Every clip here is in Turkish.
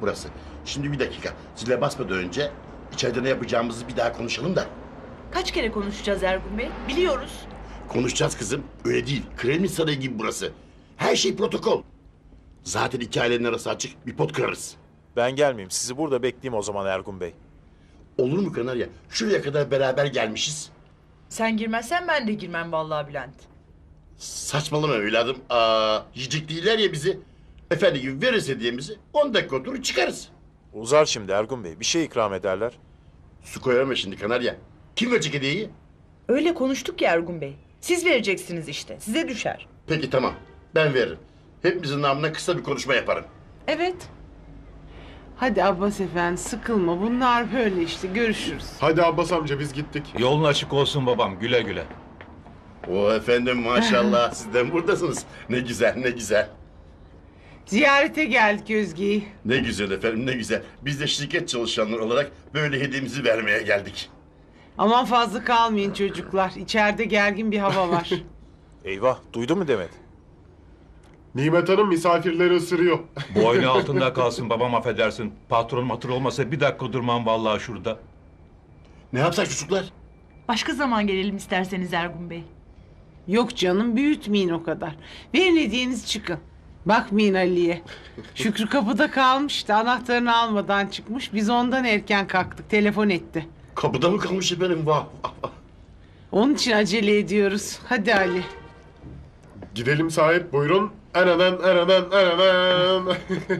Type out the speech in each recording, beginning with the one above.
burası. Şimdi bir dakika. Zile basmadan önce içeride ne yapacağımızı bir daha konuşalım da. Kaç kere konuşacağız Ergun Bey? Biliyoruz. Konuşacağız kızım. Öyle değil. Kremlin Sarayı gibi burası. Her şey protokol. Zaten iki ailenin arası açık. Bir pot kırarız. Ben gelmeyeyim. Sizi burada bekleyeyim o zaman Ergun Bey. Olur mu Kanarya? Şuraya kadar beraber gelmişiz. Sen girmezsen ben de girmem vallahi Bülent. Saçmalama evladım. Yiyecek değiller ya bizi. Efendi gibi veririz hediyemizi. 10 dakika oturur çıkarız. Uzar şimdi Ergun Bey. Bir şey ikram ederler. Su koyarım şimdi Kanarya. Kim verecek hediyeyi? Öyle konuştuk ya Ergun Bey. Siz vereceksiniz işte. Size düşer. Peki tamam. Ben veririm. Hepimizin namına kısa bir konuşma yaparım. Evet. Hadi Abbas efendi sıkılma. Bunlar böyle işte. Görüşürüz. Hadi Abbas amca biz gittik. Yolun açık olsun babam, güle güle. O efendim maşallah siz de buradasınız. Ne güzel ne güzel. Ziyarete geldik Özge'yi. Ne güzel efendim ne güzel. Biz de şirket çalışanları olarak böyle hediyemizi vermeye geldik. Aman fazla kalmayın çocuklar. İçeride gergin bir hava var. Eyvah, duydu mu Demet? Nimet Hanım misafirleri ısırıyor. Boynu altında kalsın babam, affedersin. Patron matır olmasa bir dakika durmam vallahi şurada. Ne yapsak çocuklar? Başka zaman gelelim isterseniz Ergun Bey. Yok canım büyütmeyin o kadar. Verin hediyenizi çıkın. Bakmayın Ali'ye. Şükrü kapıda kalmıştı. Anahtarını almadan çıkmış. Biz ondan erken kalktık. Telefon etti. Kapıda mı kalmış efendim? Vah vah vah. Onun için acele ediyoruz. Hadi Ali. Gidelim sahip buyurun. Eremen eremen eremen.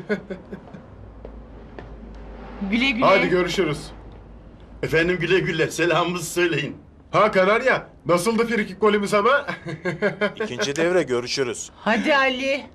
Güle güle. Hadi görüşürüz. Efendim güle güle selamımızı söyleyin. Ha Kanarya nasıldı frikik golümüz ama? İkinci devre görüşürüz. Hadi Ali.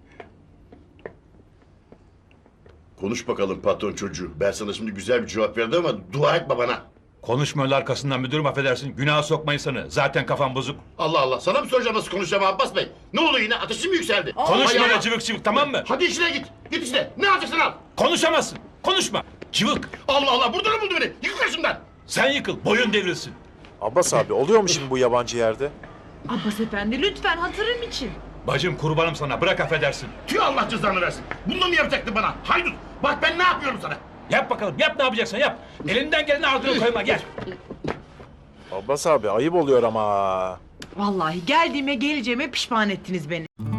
Konuş bakalım patron çocuğu. Ben sana şimdi güzel bir cevap verdim ama dua et babana. Konuşmuyorlar arkasından müdürüm, affedersin. Günaha sokma insanı. Zaten kafam bozuk. Allah Allah sana mı soracağım nasıl konuşacağım Abbas Bey? Ne oluyor yine ateşin mi yükseldi? Konuşma Hay öyle Allah. cıvık cıvık, tamam mı? Hadi işine git. Git işte. Ne yapacaksın al? Konuşamazsın. Konuşma. Cıvık. Allah Allah burada mı buldu beni? Yıkıl karşımdan. Sen yıkıl. Boyun devrilsin. Abbas abi, oluyor mu şimdi bu yabancı yerde? Abbas efendi lütfen hatırım için. Bacım kurbanım sana. Bırak, affedersin. Tüh Allah cezanı versin. Bunu mı yapacaktın bana? Haydut. Bak ben ne yapıyorum sana? Yap bakalım. Yap, ne yapacaksan yap. Elinden geleni ardına koyma, gel. Abbas abi ayıp oluyor ama. Vallahi geldiğime geleceğime pişman ettiniz beni.